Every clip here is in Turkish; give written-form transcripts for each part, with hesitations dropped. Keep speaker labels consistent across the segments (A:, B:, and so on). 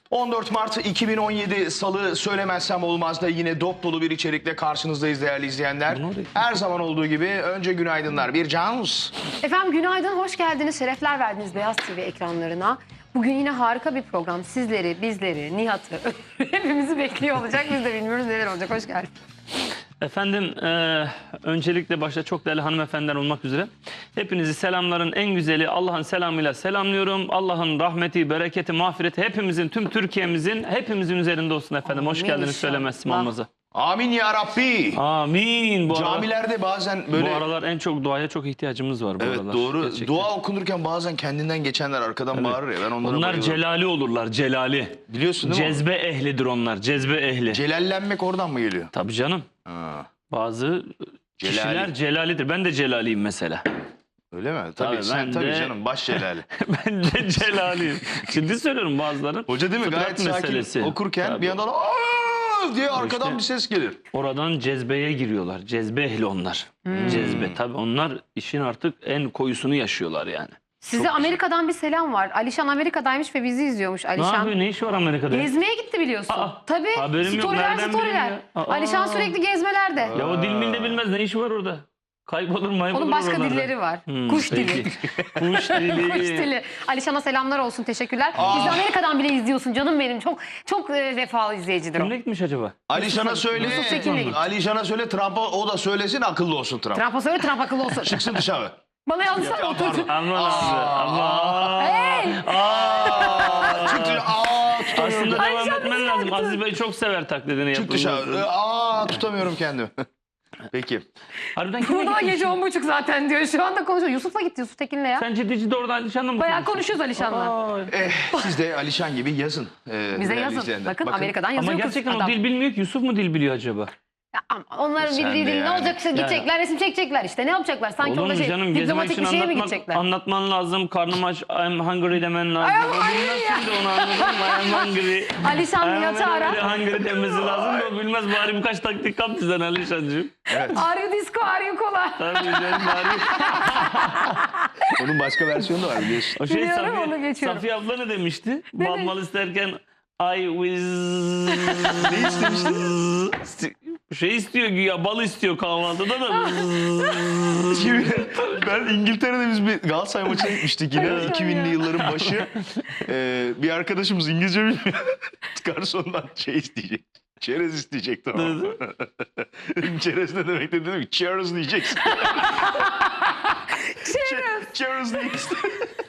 A: 14 Mart 2017 Salı söylemezsem olmaz da yine dop dolu bir içerikle karşınızdayız değerli izleyenler. Her zaman olduğu gibi önce günaydınlar. Bir Canus.
B: Efendim günaydın, hoş geldiniz, şerefler verdiniz Beyaz TV ekranlarına. Bugün yine harika bir program. Sizleri, bizleri, Nihat'ı, hepimizi bekliyor olacak. Biz de bilmiyoruz neler olacak. Hoş geldin.
C: Efendim öncelikle başta çok değerli hanımefendiler olmak üzere hepinizi selamların en güzeli Allah'ın selamıyla selamlıyorum. Allah'ın rahmeti, bereketi, mağfireti hepimizin, tüm Türkiye'mizin, hepimizin üzerinde olsun efendim.
B: Amin
C: Hoş geldiniz
B: inşallah.
C: söylemezsim olmazı.
A: Amin ya Rabbi.
C: Amin.
A: Camilerde bazen böyle...
C: Bu aralar en çok duaya çok ihtiyacımız var bu
A: Evet
C: aralar.
A: doğru.
C: Gerçekten.
A: Dua okunurken bazen kendinden geçenler arkadan bağırır ya. Ben onlara
C: Onlar
A: bayılıyorum.
C: celali olurlar, celali.
A: Biliyorsun değil mi?
C: Cezbe ehlidir onlar, cezbe ehli.
A: Celallenmek oradan mı geliyor?
C: Tabii canım.
A: Ha,
C: Bazı kişiler celalidir. Ben de celaliyim mesela.
A: öyle mi? Tabii sen
C: ben
A: tabii
C: de-
A: canım baş celali.
C: Ben de celaliyim. Ciddi söylüyorum bazıların.
A: Hoca değil mi?
C: Fıtrat
A: Gayet sakin
C: meselesi.
A: okurken
C: Tabii.
A: bir yandan "Aa!" diye arkadan
C: İşte-
A: bir ses gelir.
C: Oradan cezbeye giriyorlar. Cezbe ehli onlar. Cezbe. Tabii onlar işin artık en koyusunu yaşıyorlar yani.
B: Size Amerika'dan bir selam var. Alişan Amerika'daymış ve bizi izliyormuş.
C: Ne
B: Alişan
C: yapıyor? Ne işi var Amerika'da?
B: gezmeye gitti biliyorsun.
C: Tabii. Haberim yok.
B: Storyler,
C: Nereden
B: storyler.
C: bileyim ya?
B: Alişan sürekli gezmelerde.
C: Ya o dil milde bilmez. Ne işi var orada? Kaybolur maybolur
B: Onun başka
C: oralarda.
B: dilleri var. Kuş
C: peki.
B: dili.
C: Kuş dili.
B: Kuş dili. Alişan'a selamlar olsun. Teşekkürler. Bizi Amerika'dan bile izliyorsun canım benim. Çok vefalı izleyicidir o.
C: Kimle gitmiş acaba?
A: Alişan'a söyle.
B: Yusuf Tekin'le gitti.
A: Alişan'a söyle Trump'a o da söylesin akıllı olsun Trump.
B: Trump'a söyle, Trump akıllı olsun.
A: Çıksın dışarı.
B: Bana yazmışlar
A: Ya,
B: oturdu.
A: pardon.
C: Aman abi. Aman.
B: Hey!
A: Çık dışarı. Tutamıyorum.
C: Aslında devam
B: Alişan
C: etmen
B: bizi
C: lazım.
B: yaktı.
C: Aziz Bey çok sever taklidini
A: Çık
C: yapılmasını.
A: dışarı. Tutamıyorum kendimi. Peki.
C: Harbiden kimle
B: Burada da
C: gitmiş?
B: gece 10.30 zaten diyor. Şu anda konuşuyor. Yusuf'la gitti, Yusuf Tekin'le ya.
C: Sen ciddi orada Alişan'la mı
B: Bayağı
C: konuşuyorsun?
B: konuşuyoruz Alişan'la.
C: Ay.
A: Siz de Alişan gibi yazın.
B: Bize
A: değerli
B: yazın.
A: izleyenler.
B: Bakın Amerika'dan yazıyor
C: Ama
B: kız
C: gerçekten
B: adam.
C: o dil bilmiyor ki. Yusuf mu dil biliyor acaba?
B: Ya ama onların
A: Sen
B: bildiği
A: de
B: dil ne
A: yani.
B: olacak? Gidecekler, resim çekecekler işte. Ne yapacaklar? Sanki
C: Olur
B: orada
C: mu canım? Gezmek
B: diplomatik
C: için
B: bir şeye mi gidecekler?
C: anlatman lazım. Karnım aç, I'm hungry demen lazım.
B: Ay,
C: O bilmez şimdi onu anladın mı? I'm hungry.
B: Alişan Nihat'ı
C: Hemen
B: ara.
C: öyle hungry demesi lazım da o bilmez. Bari birkaç taktik kap bizden Alişancığım.
B: Are you disco, are you cola?
C: Tabii canım bari.
A: Onun başka versiyonu da var biliyorsun.
C: O şey
B: Biliyorum, onu geçiyorum.
C: Safiye abla ne demişti? Bal mal isterken I was...
A: Ne istemişti?
C: Şey istiyor güya, bal istiyor kahvaltıda da.
A: Şimdi ben İngiltere'de biz bir Galatasaray maçına gitmiştik yine. 2000'li yılların başı. Bir arkadaşımız İngilizce bilmiyor. Garsondan şey isteyecek. Çerez isteyecek tamam mı? Çerez ne demek dedim ki cheers diyeceksin. Cheers diyeceksin.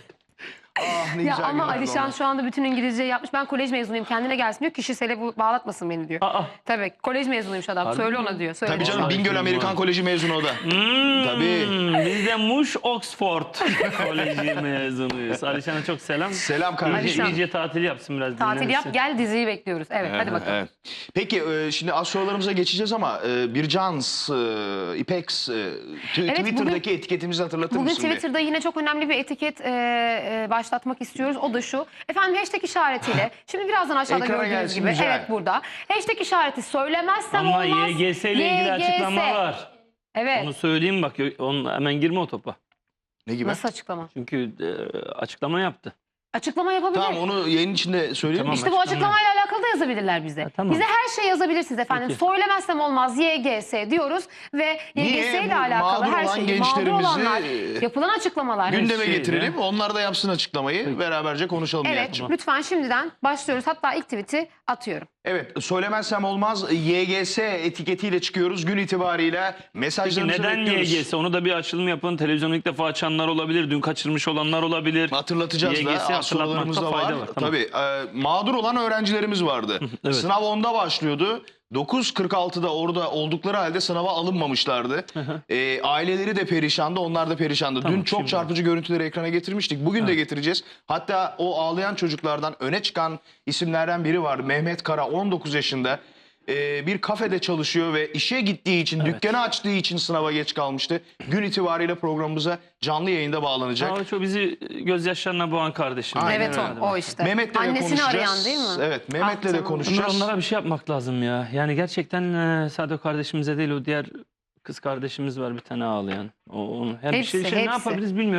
A: Ah ne
B: Ya
A: güzel
B: ama
A: günlerdi
B: Alişan
A: onlar.
B: şu anda bütün İngilizce yapmış. Ben kolej mezunuyum, kendine gelsin diyor. Kişisele bağlatmasın beni diyor.
C: Aa.
B: Tabii kolej mezunuymuş adam.
C: Harbi
B: Söyle
C: mi?
B: ona diyor. Söyle.
A: Tabii canım
C: Vallahi
A: Bingöl
C: kim
A: Amerikan
C: var?
A: Koleji mezunu o da. Tabii.
C: Biz de Muş Oxford Koleji mezunuyuz. Alişan'a çok selam.
A: Selam kardeşim.
B: Alişan.
C: İyice tatil yapsın biraz.
B: Tatil yap,
C: dinlensin.
B: gel diziyi bekliyoruz. Evet, hadi bakalım.
A: Evet. Peki şimdi az sorularımıza geçeceğiz ama Bircans, İpex, Twitter'daki etiketimizi hatırlatır
B: Bugün
A: mısın?
B: Twitter'da yine çok önemli bir etiket başlatmak istiyoruz. O da şu. Efendim hashtag işaretiyle. Şimdi birazdan aşağıda
A: Ekrana
B: gördüğünüz
A: gelsin,
B: gibi.
A: güzel.
B: Evet burada. Hashtag işareti söylemezsem
C: Ama
B: olmaz.
C: YGS ile ilgili açıklama var.
B: Evet.
C: Onu söyleyeyim bak. Onu, hemen girme o topa.
A: Ne gibi?
B: Nasıl açıklama?
C: Çünkü açıklama yaptı.
B: Açıklama yapabilir.
A: Tamam onu yayın içinde söyleyelim
C: Tamam.
A: mi?
B: İşte bu açıklamayla alakalı da yazabilirler bize.
C: tamam.
B: Bize her şey yazabilirsiniz efendim.
C: Peki.
B: Söylemezsem olmaz YGS diyoruz ve
A: Niye?
B: YGS ile
A: Bu
B: alakalı
A: mağdur
B: her
A: olan
B: şey
A: gençlerimizi,
B: mağdur olanlar yapılan açıklamalar.
A: Gündeme
C: Şeyle.
A: getirelim. Onlar da yapsın açıklamayı. Beraberce konuşalım
B: Evet,
A: Nihat'cığım.
B: lütfen şimdiden başlıyoruz. Hatta ilk tweet'i atıyorum.
A: Evet söylemezsem olmaz YGS etiketiyle çıkıyoruz. Gün itibariyle
C: Peki
A: mesajlarınızı
C: neden
A: bekliyoruz.
C: YGS? Onu da bir açılım yapın. Televizyonu ilk defa açanlar olabilir. Dün kaçırmış olanlar olabilir.
A: Hatırlatacağız da
C: YGS
A: az sorularımız da
C: hatırlatmakta
A: var.
C: fayda var. Tamam.
A: Tabii mağdur olan öğrencilerimiz vardı.
C: Evet.
A: Sınav 10'da başlıyordu. 9.46'da orada oldukları halde sınava alınmamışlardı. Aileleri de perişandı, onlar da perişandı.
C: Tamam,
A: Dün çok
C: şimdi
A: çarpıcı görüntüleri ekrana getirmiştik. Bugün de getireceğiz. Hatta o ağlayan çocuklardan öne çıkan isimlerden biri var. Mehmet Kara 19 yaşında. Bir kafede çalışıyor ve işe gittiği için, dükkanı açtığı için sınava geç kalmıştı. Gün itibariyle programımıza canlı yayında bağlanacak.
C: Ama çok bizi gözyaşlarına boğan kardeşim.
A: Aynen
B: Evet
A: öyle.
B: o işte.
A: Mehmet'le de
B: Annesini
A: konuşacağız.
B: arayan değil mi?
A: Evet, Mehmet'le de
B: canım.
A: konuşacağız.
C: Onlara bir şey yapmak lazım ya. Yani gerçekten sadece o kardeşimize değil, o diğer kız kardeşimiz var bir tane ağlayan. Her bir
B: Hepsi,
C: şey ne
B: hepsi.
C: yapabiliriz bilmiyorum ama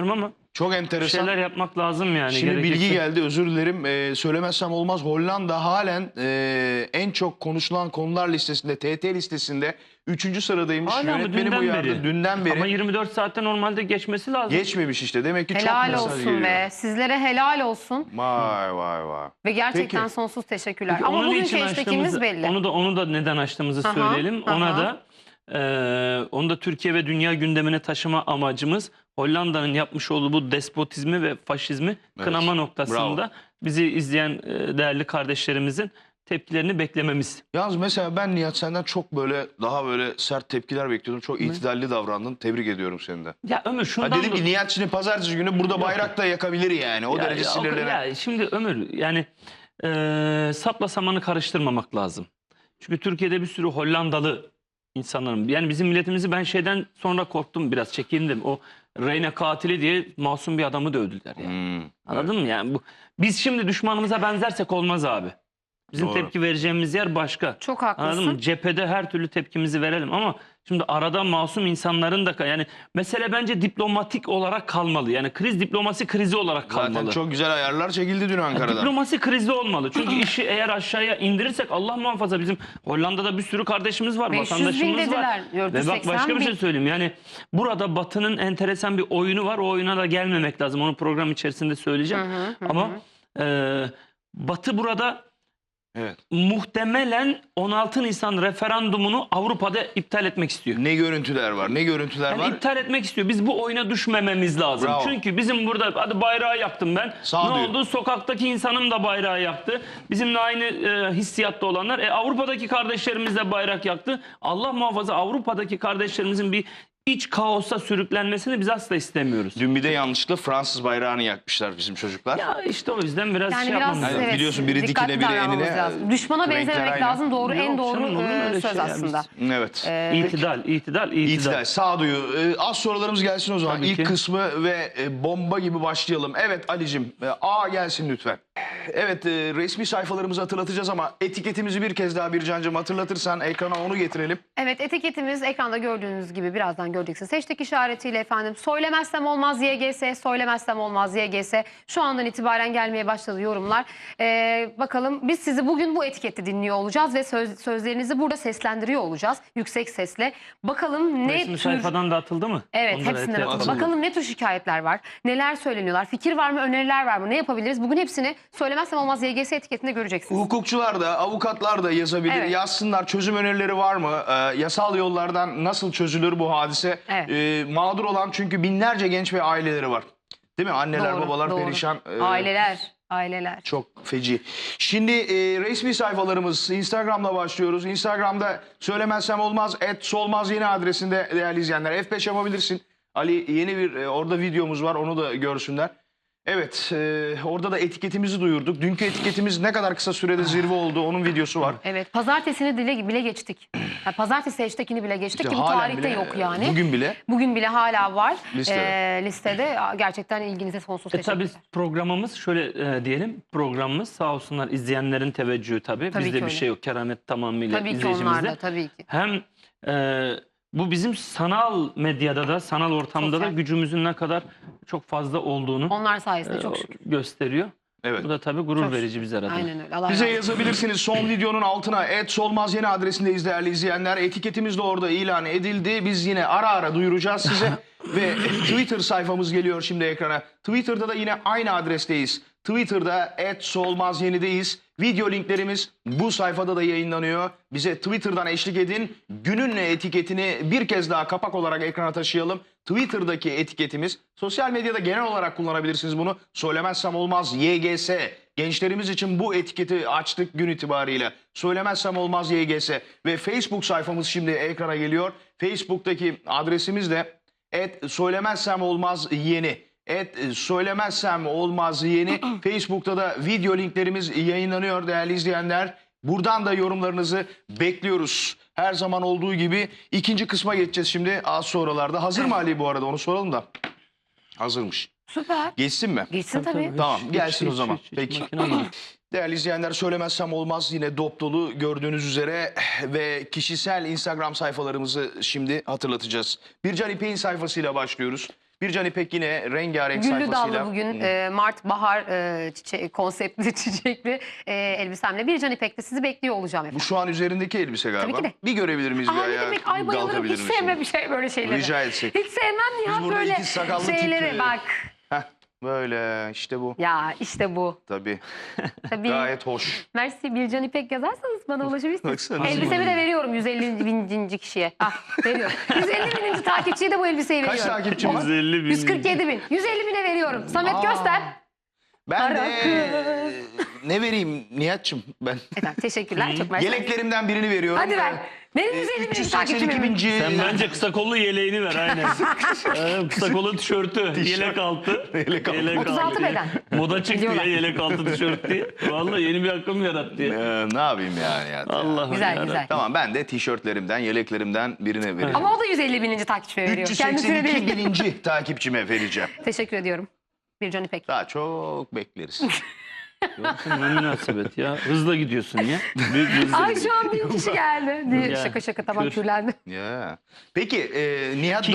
A: Çok
C: Bir
A: enteresan.
C: şeyler yapmak lazım yani.
A: Şimdi
C: gerekirse.
A: bilgi geldi, özür dilerim. Söylemezsem olmaz, Hollanda halen en çok konuşulan konular listesinde, TT listesinde 3. sıradaymış.
C: Hala mı?
A: Yönetmenim
C: Dünden
A: uyardı.
C: beri.
A: Dünden beri.
C: Ama 24 saatte normalde geçmesi lazım.
A: Geçmemiş işte. Demek ki çok
B: Helal
A: mesaj
B: olsun
A: geliyor.
B: be. Sizlere helal olsun.
A: Vay vay vay.
B: Ve gerçekten
A: Peki.
B: sonsuz teşekkürler.
C: Peki,
B: Ama
C: onun
B: bugünkü
C: için
B: hashtagimiz
C: açtığımızı-
B: belli.
C: Onu da neden açtığımızı
B: Aha,
C: söyleyelim. Ona
B: aha.
C: da onu da Türkiye ve dünya gündemine taşıma amacımız Hollanda'nın yapmış olduğu bu despotizmi ve faşizmi kınama noktasında
A: Bravo.
C: bizi izleyen değerli kardeşlerimizin tepkilerini beklememiz.
A: Yalnız mesela ben Nihat senden çok böyle daha böyle sert tepkiler bekliyordum. Çok itidalli davrandın. Tebrik ediyorum seni de.
C: Ya Ömür şundan
A: Ha dedim ki Nihat şimdi pazartesi günü burada bayrak da yakabilir yani. O derece sinirlenen.
C: Ya şimdi Ömür yani sapla samanı karıştırmamak lazım. Çünkü Türkiye'de bir sürü Hollandalı insanların yani bizim milletimizi ben şeyden sonra korktum biraz çekindim. O Reyne katili diye masum bir adamı dövdüler yani. Anladın mı yani biz şimdi düşmanımıza benzersek olmaz abi. Bizim
A: Doğru.
C: tepki vereceğimiz yer başka.
B: Çok
C: Anladın
B: haklısın.
C: mı? Cephede her türlü tepkimizi verelim ama şimdi arada masum insanların da yani mesele bence diplomatik olarak kalmalı. Yani kriz diplomasi krizi olarak kalmalı.
A: Zaten çok güzel ayarlar çekildi dün
C: Ya
A: Ankara'da.
C: diplomasi krizi olmalı. Çünkü işi eğer aşağıya indirirsek Allah muhafaza bizim Hollanda'da bir sürü kardeşimiz var,
B: 500 bin
C: vatandaşımız
B: dediler.
C: var. Ve bak başka bir şey söyleyeyim. Yani burada Batı'nın enteresan bir oyunu var. O oyuna da gelmemek lazım. Onu program içerisinde söyleyeceğim. Ama Batı burada
A: Evet.
C: muhtemelen 16 Nisan referandumunu Avrupa'da iptal etmek istiyor.
A: Ne görüntüler var, ne görüntüler
C: Yani
A: var.
C: iptal etmek istiyor. Biz bu oyuna düşmememiz lazım.
A: Bravo.
C: Çünkü bizim burada hadi bayrağı yaktım ben.
A: Sağduyu.
C: Ne oldu? Sokaktaki insanım da bayrağı yaktı. Bizimle aynı hissiyatta olanlar. Avrupa'daki kardeşlerimiz de bayrak yaktı. Allah muhafaza Avrupa'daki kardeşlerimizin bir iç kaosa sürüklenmesini biz asla istemiyoruz.
A: Dün bir de yanlışlıkla Fransız bayrağını yakmışlar bizim çocuklar.
C: Ya işte o yüzden biraz
B: Yani
C: şey
B: biraz
C: yapmamız lazım.
A: Yani biliyorsun biri
B: dikkatli
A: dikine, biri
B: davranmamız
A: enine,
B: lazım. Düşmana
A: renkler
B: benzememek
A: aynı.
B: lazım. Doğru, en
C: Yok
B: doğru
C: canım, olur mu öyle
B: söz
C: şey ya?
B: aslında.
A: Evet.
C: İtidal.
A: İtidal, sağduyu. Az sorularımız gelsin o zaman.
C: Tabii
A: İlk
C: ki.
A: kısmı ve bomba gibi başlayalım. Evet Ali'cim, A gelsin lütfen. Evet, resmi sayfalarımızı hatırlatacağız ama etiketimizi bir kez daha Bircan'cığım hatırlatırsan ekrana onu getirelim.
B: Evet, etiketimiz ekranda gördüğünüz gibi birazdan göreceksiniz. Hashtag işaretiyle efendim söylemezsem olmaz YGS, söylemezsem olmaz YGS. Şu andan itibaren gelmeye başladı yorumlar. Bakalım biz sizi bugün bu etikette dinliyor olacağız ve sözlerinizi burada seslendiriyor olacağız yüksek sesle. Bakalım ne
C: Resmi
B: tür...
C: sayfadan da atıldı mı?
B: Evet,
C: Ondan
B: hepsinden
C: atıldı.
B: atıldı. Bakalım ne tür şikayetler var, neler söyleniyorlar, fikir var mı, öneriler var mı, ne yapabiliriz? Bugün hepsini söylemezsem olmaz YGS etiketinde göreceksiniz.
A: Hukukçular da, avukatlar da yazabilir.
B: Evet.
A: Yazsınlar, çözüm önerileri var mı? Yasal yollardan nasıl çözülür bu hadise?
B: Evet.
A: Mağdur olan çünkü binlerce genç ve aileleri var. Değil mi? Anneler,
B: Doğru,
A: babalar
B: doğru.
A: perişan.
B: Aileler.
A: Çok feci. Şimdi resmi sayfalarımız Instagram'la başlıyoruz. Instagram'da söylemezsem olmaz @solmaz yeni adresinde değerli izleyenler. F5 yapabilirsin. Ali yeni bir orada videomuz var, onu da görsünler. Evet, orada da etiketimizi duyurduk. Dünkü etiketimiz ne kadar kısa sürede zirve oldu, onun videosu var.
B: Evet, pazartesini bile geçtik. Yani pazartesi hashtagini bile geçtik
A: İşte
B: ki bu
A: halen
B: tarihte
A: bile,
B: yok yani.
A: Bugün bile
B: hala var
A: Listede.
B: listede. Gerçekten ilginize sonsuz
C: Tabii
B: teşekkürler.
C: programımız şöyle diyelim. Programımız sağ olsunlar izleyenlerin teveccühü tabii.
B: Tabii
C: Bizde
B: ki
C: bir
B: öyle.
C: şey yok. Keramet tamamıyla
B: Tabii ki
C: izleyicimizde.
B: onlar da tabii ki.
C: Hem bu bizim sanal medyada da, sanal ortamda
B: Sosyal.
C: da gücümüzün ne kadar çok fazla olduğunu
B: Onlar sayesinde çok şükür.
C: gösteriyor.
A: Evet.
C: Bu da tabii gurur
B: Çok
C: verici bize adına.
B: Aynen öyle. Allah
A: Bize
B: razı olsun.
A: yazabilirsiniz son videonun altına @solmaz yeni adresindeyiz değerli izleyenler. Etiketimiz de orada ilan edildi. Biz yine ara ara duyuracağız size. Ve Twitter sayfamız geliyor şimdi ekrana. Twitter'da da yine aynı adresteyiz. Twitter'da @solmazyeni'deyiz. Video linklerimiz bu sayfada da yayınlanıyor. Bize Twitter'dan eşlik edin. Günün etiketini bir kez daha kapak olarak ekrana taşıyalım. Twitter'daki etiketimiz, sosyal medyada genel olarak kullanabilirsiniz bunu. Söylemezsem olmaz YGS. Gençlerimiz için bu etiketi açtık gün itibariyle. Söylemezsem olmaz YGS. Ve Facebook sayfamız şimdi ekrana geliyor. Facebook'taki adresimiz de @söylemezsem olmaz yeni. Söylemezsem olmaz yeni. Facebook'ta da video linklerimiz yayınlanıyor değerli izleyenler. Buradan da yorumlarınızı bekliyoruz. Her zaman olduğu gibi ikinci kısma geçeceğiz şimdi az sonralarda. Hazır mı Ali bu arada, onu soralım da. Hazırmış.
B: Süper.
A: Geçsin mi?
B: Geçsin tabii.
A: Tamam,
C: Hiç,
A: gelsin o zaman.
C: hiç
A: Peki.
C: makine değil.
A: Değerli izleyenler, söylemezsem olmaz yine dop dolu gördüğünüz üzere ve kişisel Instagram sayfalarımızı şimdi hatırlatacağız. Bircan İpek'in sayfasıyla başlıyoruz. Bircan İpek yine rengarenk
B: Güllü
A: sayfasıyla.
B: dallı bugün Mart bahar konseptli çiçekli elbisemle Bircan İpek'te sizi bekliyor olacağım
A: Bu
B: efendim.
A: şu an üzerindeki elbise galiba.
B: Tabii ki de.
A: Bir görebilir miyiz bir
B: Aa, ne
A: ayağı?
B: demek, ay bayılırım,
A: Kalkabilir
B: hiç
A: misin?
B: sevmem bir şey böyle şeyleri.
A: Rica etsek.
B: Hiç sevmem ya
A: Biz burada
B: böyle
A: iki sakallı
B: şeyleri
A: tip,
B: bak.
A: Heh, böyle işte bu.
B: Ya işte bu.
A: Tabii.
B: Tabii.
A: Gayet hoş.
B: Mersi Bircan İpek yazarsanız bana ulaşabilirsiniz.
A: Baksana.
B: Elbisemi de veriyorum 150 bininci kişiye. Ah veriyorum. 150 bininci takipçiye de bu elbiseyi
A: Kaç
B: veriyorum.
A: takipçimiz?
C: 150 bin.
B: 147 bin. 150 bine veriyorum. Samet göster.
A: Ben
B: Kara
A: de ne vereyim Nihat'cığım ben?
B: Efendim teşekkürler. Çok mersi.
A: Yeleklerimden birini veriyorum.
B: Hadi ver. Benim 150 bininci takipçim.
A: 382 binci.
C: Sen bence kısa kollu yeleğini ver aynen. Kısa kollu tişörtü, yelek altı.
A: Yelek altı.
B: 36 beden.
C: Moda çıktı
B: Biliyorlar.
C: ya yelek altı tişört diye. Vallahi yeni bir akım yarattı ya.
A: Ne yapayım yani Nihat?
C: Allah'ım
B: Güzel
C: yarabbim.
B: güzel.
A: Tamam ben de tişörtlerimden, yeleklerimden birine vereceğim.
B: Ama o da 150 bininci takipçime veriyor. Kendisine
A: 382
B: değil.
A: bininci takipçime vereceğim.
B: Teşekkür ediyorum. Bircan İpek.
A: Daha çok bekleriz.
C: Yoksa ne münasebet ya. Hızla gidiyorsun ya. Büyük bir hızla
B: Ay
C: gidiyorsun.
B: şu an 1000 kişi geldi. Diye
C: Ya,
B: şaka şaka tamam
C: kür.
B: kürlendi.
A: Ya. Peki Nihat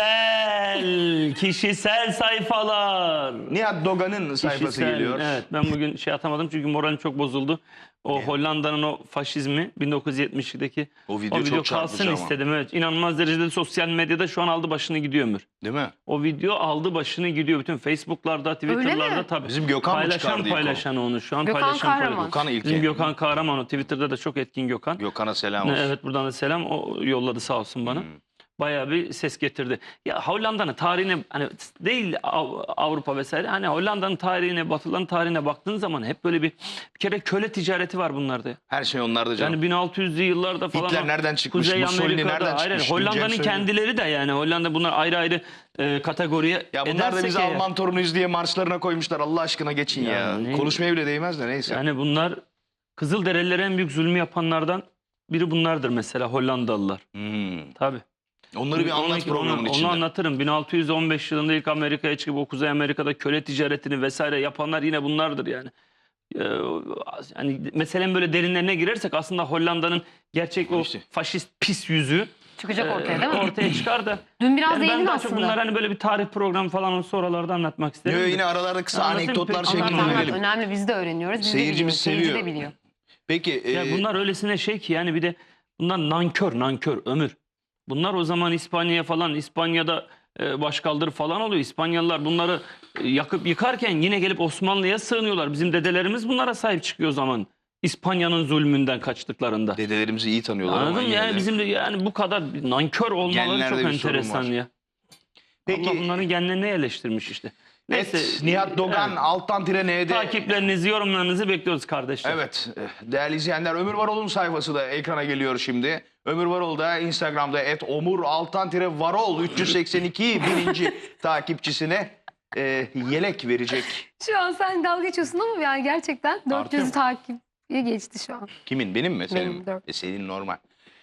A: Dogan'ın
C: Kişisel sayfalar.
A: Nihat Dogan'ın sayfası
C: Kişisel,
A: geliyor.
C: Evet, ben bugün şey atamadım çünkü moralim çok bozuldu. O Hollanda'nın o faşizmi 1970'deki
A: O video çok çarpıcı
C: kalsın
A: ama.
C: istedim. Evet, inanılmaz derecede sosyal medyada şu an aldı başını gidiyor Ömür.
A: Değil mi?
C: O video aldı başını gidiyor. Bütün Facebook'larda, Twitter'larda
B: mi?
C: tabii.
A: Bizim Gökhan mı çıkardı ilk
C: paylaşan onu şu an
B: Gökhan
C: paylaşan
B: Kahraman.
A: Gökhan İlke.
C: Bizim Gökhan Kahraman o Twitter'da da çok etkin Gökhan.
A: Gökhan'a selam olsun.
C: Evet buradan da selam. O yolladı sağ olsun bana. Bayağı bir ses getirdi. Ya Hollanda'nın tarihine hani değil Avrupa vesaire hani Hollanda'nın tarihine, Batıların tarihine baktığın zaman hep böyle bir kere köle ticareti var bunlarda.
A: Her şey onlarda canım.
C: Yani 1600'lü yıllarda falan.
A: Hitler
C: o
A: nereden çıkmış?
C: Kuzey
A: Mussolini
C: Amerika'da,
A: nereden
C: hayır,
A: çıkmış?
C: Hollanda'nın
A: Diyeceğim söyleyeyim.
C: kendileri de yani Hollanda bunlar ayrı ayrı kategoriye
A: Ya bunlar da
C: edersek
A: bizi
C: eğer-
A: Alman torunuyuz diye marşlarına koymuşlar. Allah aşkına geçin ya.
C: Ya ne-
A: Konuşmaya bile değmez de neyse.
C: Yani bunlar Kızılderililere en büyük zulmü yapanlardan biri bunlardır mesela Hollandalılar. Tabii.
A: Onları bir anlat programın
C: onu
A: içinde.
C: anlatırım. 1615 yılında ilk Amerika'ya çıkıp o Kuzey Amerika'da köle ticaretini vesaire yapanlar yine bunlardır yani. Yani meselenin böyle derinlerine girersek aslında Hollanda'nın gerçek o
A: İşte.
C: faşist pis yüzü
B: Çıkacak ortaya değil mi?
C: ortaya çıkar da.
B: Dün biraz
C: Yani ben
B: değindin
C: daha çok
B: aslında.
C: bunlar hani böyle bir tarih programı falan olsa oralarda anlatmak isterim.
A: Yo,
C: de.
A: yine aralarda kısa
C: Anlatayım,
A: anekdotlar
C: peki.
B: Anlat
A: şeklinde
B: anlat.
A: verelim.
B: Önemli biz de öğreniyoruz. Biz
A: Seyircimiz
B: de biliyoruz. Seyirci
A: seviyor.
B: de biliyor.
A: Peki
C: Ya bunlar öylesine şey ki yani bir de bunlar nankör Ömür. Bunlar o zaman İspanya'ya falan İspanya'da başkaldırı falan oluyor. İspanyalılar bunları yakıp yıkarken yine gelip Osmanlı'ya sığınıyorlar. Bizim dedelerimiz bunlara sahip çıkıyor o zaman. İspanya'nın zulmünden kaçtıklarında.
A: dedelerimizi iyi tanıyorlar
C: Anladın
A: ama
C: mı?
A: yine
C: Yani
A: de.
C: bizim de yani bu kadar bir nankör olmaları
A: Genlerde
C: çok
A: bir sorun
C: enteresan
A: var.
C: ya.
A: Peki
C: Allah bunların genlerine yerleştirmiş işte.
A: Nihat Dogan
C: evet.
A: alttan tire N'de.
C: Takiplerinizi, yorumlarınızı bekliyoruz kardeşler.
A: Evet değerli izleyenler Ömür Varol'un sayfası da ekrana geliyor şimdi. Ömür Varol da Instagram'da @omur_varol 382 bininci takipçisine yelek verecek.
B: Şu an sen dalga geçiyorsun ama yani gerçekten 400 takipçi geçti şu an.
A: Kimin benim mi senin
B: Benim,
A: mi?
B: dört.
A: Senin normal.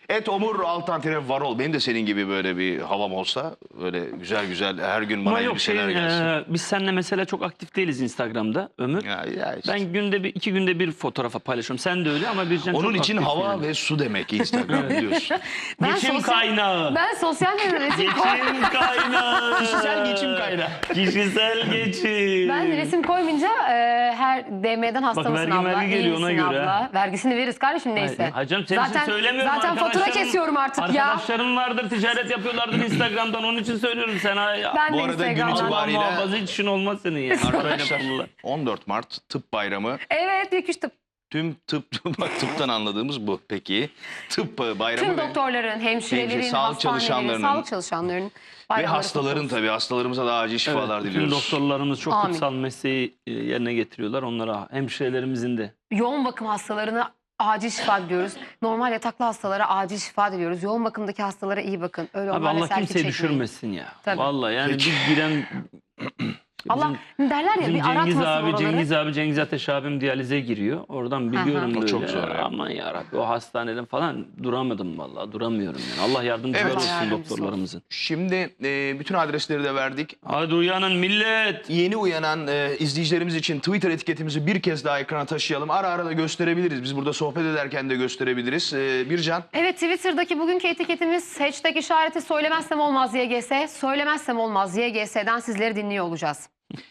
A: @omur_varol benim de senin gibi böyle bir havam olsa böyle güzel güzel her gün bana
C: Ama yok
A: elbiseler gelsin.
C: biz seninle mesela çok aktif değiliz Instagram'da Ömür.
A: Ya işte.
C: Ben günde 2 günde bir fotoğrafa paylaşıyorum. Sen de öyle ama Bircan
A: Onun
C: çok
A: için
C: aktif
A: hava
C: yani.
A: ve su demek Instagram biliyorsun.
B: Ben
C: Geçim kaynağı.
B: Ben sosyal medyada resim
C: Geçim kaynağı.
A: Kişisel geçim kaynağı.
C: Kişisel geçim.
B: Ben resim koymayınca her DM'den hasta
C: Bak,
B: mısın
C: vergi
B: abla?
C: geliyor,
B: İyi
C: ona
B: misin
C: göre.
B: abla? Vergisini veririz kardeşim neyse.
C: Hayır canım senin için söylemiyorum.
B: Zaten fatura
C: Arkadaşlarım-
B: kesiyorum artık ya.
C: Arkadaşlarım vardır ticaret yapıyorlardır Instagram'dan onun için söylüyorum sana. Ya.
B: Ben
A: Bu
B: de
A: arada gün
B: Instagram'dan.
A: itibariyle-
C: Allah muhafaza hiç işin olmaz senin ya.
A: Arkadaşlar
C: Arkadaşlar.
A: 14 Mart Tıp Bayramı.
B: Evet ilk üç tıp.
A: Tüm tıptan anladığımız bu. Peki tıp bayramı
B: Tüm
A: ve,
B: doktorların, hemşirelerin,
A: sağlık
B: hastanelerin, sağlık çalışanlarının
A: ve
B: bayramları
A: hastaların
B: kutlu olsun.
A: tabii hastalarımıza da acil şifalar
C: Evet, bütün
A: diliyoruz.
C: doktorlarımız çok
B: Amin.
C: kutsal mesleği yerine getiriyorlar. Onlara hemşirelerimizin de.
B: Yoğun bakım hastalarına acil şifa diliyoruz. Normal yataklı hastalara acil şifa diliyoruz. Yoğun bakımdaki hastalara iyi bakın. Öyle
C: Abi
B: onlarla
C: Allah
B: selfie
C: kimseyi
B: çekmeyin.
C: düşürmesin ya.
B: Tabii.
C: Vallahi yani
A: Peki.
C: bir giren
B: Allah derler ya
C: Bizim
B: bir
C: Cengiz
B: aratmasın
C: abi,
B: oraları.
C: Cengiz Ateş abim diyalize giriyor. Oradan biliyorum
A: O
C: böyle.
A: çok zor ya.
C: Aman yarabbim o hastaneden falan duramadım vallahi. Duramıyorum yani. Allah yardımcılar
A: Evet.
C: olsun
B: Allah yardımcısı
C: doktorlarımızın.
A: Şimdi bütün adresleri de verdik.
C: Hadi uyanın millet.
A: Yeni uyanan izleyicilerimiz için Twitter etiketimizi bir kez daha ekrana taşıyalım. Ara ara da gösterebiliriz. Biz burada sohbet ederken de gösterebiliriz. Bircan.
B: Evet, Twitter'daki bugünkü etiketimiz hashtag işareti söylemezsem olmaz YGS. Söylemezsem olmaz YGS'den sizleri dinliyor olacağız.